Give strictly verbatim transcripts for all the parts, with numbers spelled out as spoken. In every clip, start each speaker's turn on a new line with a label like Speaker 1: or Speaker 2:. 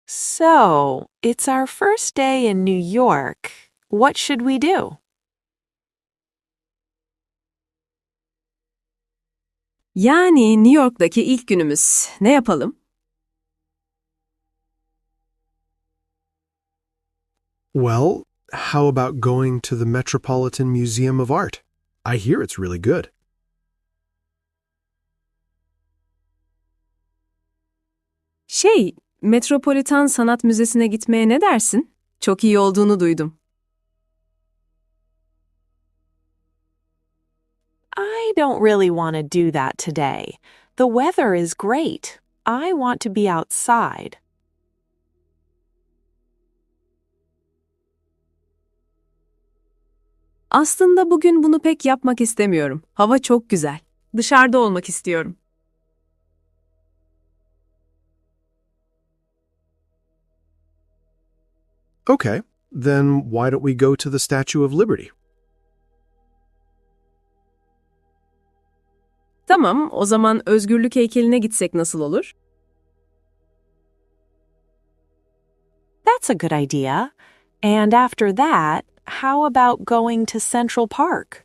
Speaker 1: So, it's our first day in New York. What should we do?
Speaker 2: Yani New York'taki ilk günümüz. Ne yapalım?
Speaker 3: Well, how about going to the Metropolitan Museum of Art? I hear it's really good.
Speaker 2: Şey, Metropolitan Sanat Müzesi'ne gitmeye ne dersin? Çok iyi olduğunu duydum.
Speaker 1: I don't really want to do that today. The weather is great. I want to be outside.
Speaker 2: Aslında bugün bunu pek yapmak istemiyorum. Hava çok güzel. Dışarıda olmak istiyorum.
Speaker 3: Okay, then why don't we go to the Statue of Liberty?
Speaker 2: Tamam, o zaman Özgürlük heykeline gitsek nasıl olur?
Speaker 1: That's a good idea. And after that, how about going to Central Park?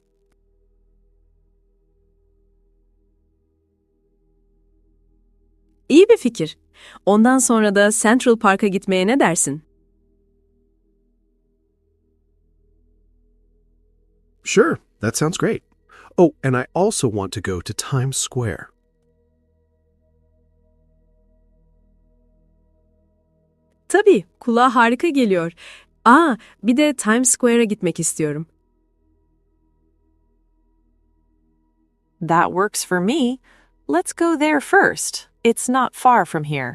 Speaker 2: İyi bir fikir. Ondan sonra da Central Park'a gitmeye ne dersin?
Speaker 3: Sure, that sounds great. Oh, and I also want to go to Times Square.
Speaker 2: Tabii, kulağa harika geliyor. Aa, bir de Times Square'a gitmek istiyorum.
Speaker 1: That works for me. Let's go there first. It's not far from here.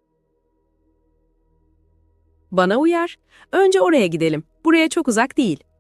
Speaker 2: Bana uyar. Önce oraya gidelim. Buraya çok uzak değil.